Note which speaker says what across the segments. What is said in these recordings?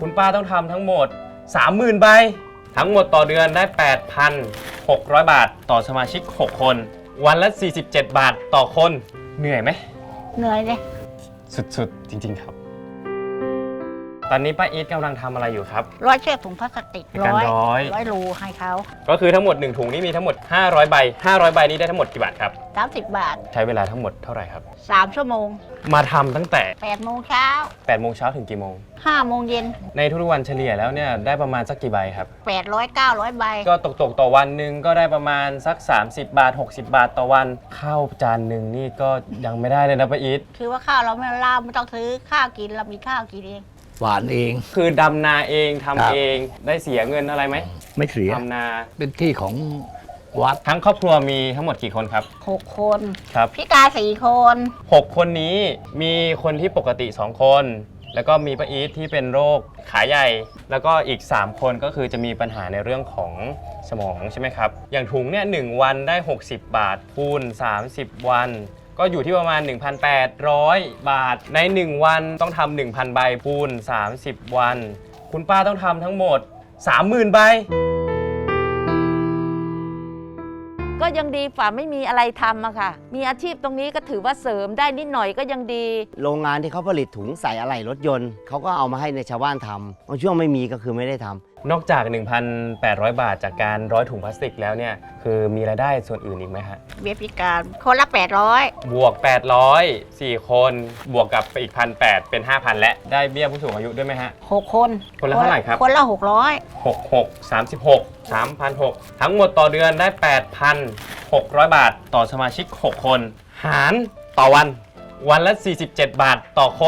Speaker 1: คุณป้าต้องทำทั้งหมด 30,000 ใบทั้งหมดต่อเดือนได้ 8,600 บาทต่อสมาชิก 6 คนวันละ 47 บาทต่อคนเหนื่อยไหม
Speaker 2: เหนื่อยเลย
Speaker 1: สุดๆจริงๆครับตอนนี้ป้าอีทกำลังทำอะไรอยู่ครับ
Speaker 2: ร้อยเชือกถุงพลาสติก
Speaker 1: ในการร้อย
Speaker 2: รูให้เขา
Speaker 1: ก็คือทั้งหมด1ถุงนี้มีทั้งหมด500ใบ500ใบนี้ได้ทั้งหมดกี่บาทครับ
Speaker 2: 30 บาท
Speaker 1: ใช้เวลาทั้งหมดเท่าไหร่ครับ
Speaker 2: 3 ชั่วโมง
Speaker 1: มาทำตั้งแต่
Speaker 2: 8 โมงเช้า
Speaker 1: 8 โมงเช้าถึงกี่โมง
Speaker 2: 5 โมงเย็น
Speaker 1: ในทุกๆวันเฉลี่ยแล้วเนี่ยได้ประมาณสักกี่ใบครับ
Speaker 2: 800 900 ใบ
Speaker 1: ก็ตกต่อวันหนึ่งก็ได้ประมาณสัก30 บาท 60 บาทต่อวันข้าวจานหนึ่งนี่ก็ยังไม่ได้เลยนะป้าอีท
Speaker 2: คือว่าข้าวเราไม่ล่าไม่ต้องซื้อข้าวกินเรามีข้าวกินเอง
Speaker 3: หวานเอง
Speaker 1: คือดำนาเองทำ
Speaker 3: ครับ
Speaker 1: เองได้เสียเงินอะไรไหม
Speaker 3: ไม่เสีย
Speaker 1: ทำนา
Speaker 3: เป็นที่ของวัด
Speaker 1: ทั้งครอบครัวมีทั้งหมดกี่คนครับ
Speaker 2: 6 คน
Speaker 1: ครับ
Speaker 2: พิการ4 คน
Speaker 1: 6 คนนี้มีคนที่ปกติ 2 คน แล้วก็มีป้าอีทที่เป็นโรคขาใหญ่ แล้วก็อีก 3 คนก็คือจะมีปัญหาในเรื่องของสมองใช่ไหมครับ อย่างถุงเนี่ย1วันได้ 60 บาทคูณ30 วัน ก็อยู่ที่ประมาณ 1,800 บาท ใน 1 วันต้องทำ 1,000 ใบคูณ30 วัน คุณป้าต้องทำทั้งหมด 30,000 ใบ
Speaker 4: ก็ยังดีฝ่าไม่มีอะไรทำอะค่ะ มีอาชีพตรงนี้ก็ถือว่าเสริมได้นิดหน่อยก็ยังดี
Speaker 5: โรงงานที่เขาผลิตถุงใส่อะไหล่รถยนต์เขาก็เอามาให้ในชาวบ้านทำบางช่วงไม่มีก็คือไม่ได้ทำ
Speaker 1: นอกจาก 1,800 บาทจากการร้อยถุงพลาสติกแล้วเนี่ยคือมีรายได้ส่วนอื่นอีกไหมฮะ
Speaker 2: เบี้ยพิการคนละ 800
Speaker 1: บวก 800 4 คน บวกกับไปอีก 1,800 เป็น 5,000 และได้เบี้ยผู้สูงอายุด้วยไหมฮะ
Speaker 2: 6 คน
Speaker 1: คนละเท่าไหร่ครับ
Speaker 2: คนละ
Speaker 1: 66 36 3,600 ทั้งหมดต่อเดือนได้ 8,600 บาทต่อสมาชิก 6 คน หารต่อวันวันละ 47 บาทต่อคน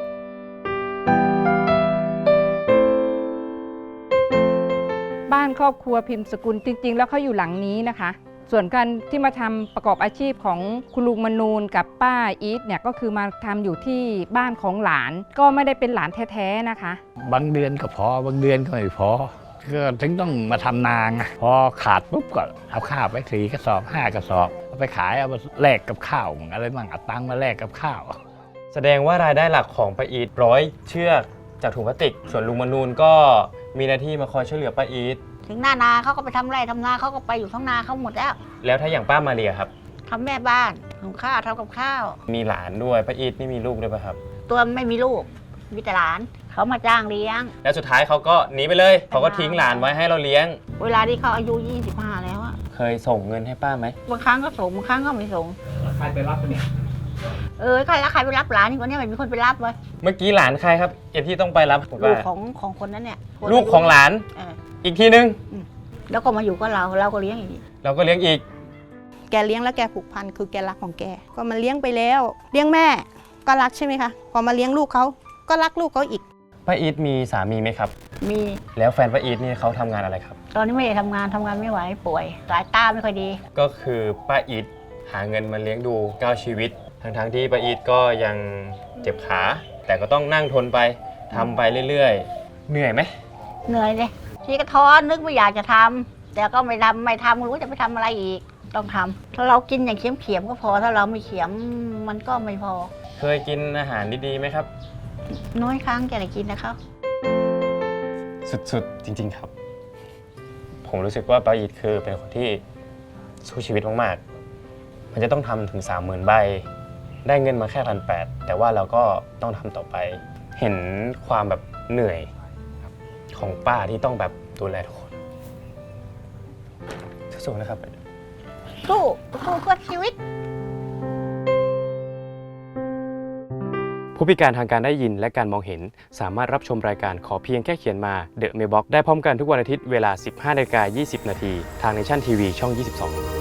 Speaker 6: บ้านครอบครัวพิมพ์สกุลจริงๆ แล้วเขาอยู่หลังนี้นะคะ ส่วนการที่มาทำประกอบอาชีพของคุณลุงมนูนกับป้าอีทเนี่ยก็คือมาทำอยู่ที่บ้านของหลาน ก็ไม่ได้เป็นหลานแท้ๆนะคะ
Speaker 3: บางเดือนก็พอบางเดือนก็ไม่พอ ก็ถึงต้องมาทำนาไงพอขาดปุ๊บก็เอาข้าวไป4 กระสอบ 5 กระสอบเอาไปขายเอามาแลกกับข้าวอะไรบ้างเอาตังค์มาแลกกับข้าว
Speaker 1: แสดงว่ารายได้หลักของป้าอีทร้อยเชือกจากถุงพลาสติก ส่วนลุงมนูนก็มีหน้าที่มาคอยช่วยเหลือป้าอีท
Speaker 2: ถึงหน้านาเขาก็ไปทำไร่ทำนาเขาก็ไปอยู่ท้องนาเขาหมดแล้ว
Speaker 1: แล้วถ้าอย่างป้ามาเรียครับ
Speaker 2: ทำแม่บ้านหุงข้าวทำกับข้าว
Speaker 1: มีหลานด้วยป้าอีทนี่มีลูกด้วยป่ะครับ
Speaker 2: ตัวไม่มีลูกมีแต่หลานเขามาจ้างเลี้ยง
Speaker 1: แล้วสุดท้ายเขาก็หนีไปเลยเขาก็ทิ้งหลานไว้ให้เราเลี้ยง
Speaker 2: เวลาที่เขาอายุ 25 แล้วอะ
Speaker 1: เคยส่งเงินให้ป้าไหม
Speaker 2: บางครั้งก็ส่งบางครั้งก็ไม่ส่ง
Speaker 3: ใครไปรับเนี่ย
Speaker 2: ใครแล้วใครไปรับหลานนี่คนนี้ไม่มีคนไปรับเว้ย
Speaker 1: เมื่อกี้หลานใครครับเอ็นที่ต้องไปรับผม
Speaker 2: ลู
Speaker 1: ว่าก
Speaker 2: ของคนนั้นเนี่ยคน
Speaker 1: ลูกของหลาน
Speaker 2: เออ
Speaker 1: อีกทีนึง
Speaker 2: แล้วก็มาอยู่กับเราก็เลี้ยงอีก
Speaker 1: เราก็เลี้ยงอีก
Speaker 7: แกเลี้ยงแล้วแกผูกพันคือแกรักของแกก็มาเลี้ยงไปแล้วเลี้ยงแม่ก็รักใช่ไหมคะพอมาเลี้ยงลูกเขาก็รักลูกเขาอีก
Speaker 1: ป้าอีทมีสามีไหมครับ
Speaker 2: มี
Speaker 1: แล้วแฟนป้าอีทนี่เขาทำงานอะไรครับ
Speaker 2: ตอนนี้ไม่ได้ทำงานไม่ไหวป่วย สายตาไม่ค่อยดี
Speaker 1: ก็คือป้าอีทหาเงินมาเลี้ยงดู9ชีวิต ทั้งที่ป้าอีทก็ยังเจ็บขา แต่ก็ต้องนั่งทนไปทำไปเรื่อยๆ เหนื่อยไหม
Speaker 2: เหนื่อยเลยทีก็ท้อนึกไม่อยากจะทำแต่ก็ไม่ทำไม่รู้จะไปทำอะไรอีกต้องทำถ้าเรากินอย่างเขียมก็พอถ้าเราไม่เขียมมันก็ไม่พอ
Speaker 1: เคยกินอาหารดีๆไหมครับ
Speaker 2: น้อยครั้งจะได้กินนะครับ
Speaker 1: สุดๆ จริงๆครับ ผมรู้สึกว่าป้าอีทคือเป็นคนที่สู้ชีวิตมากๆ มันจะต้องทำถึง 30,000 ใบ ได้เงินมาแค่1,800 แต่ว่าเราก็ต้องทำต่อไป เห็นความแบบเหนื่อยของป้าที่ต้องแบบดูแลทุกคนสู้ๆนะครับ
Speaker 2: สู้เพื่อชีวิต
Speaker 1: ผู้พิการทางการได้ยินและการมองเห็นสามารถรับชมรายการขอเพียงแค่เขียนมา The Mailbox ได้พร้อมกันทุกวันอาทิตย์เวลา 15:20 น. ทาง Nation TV ช่อง 22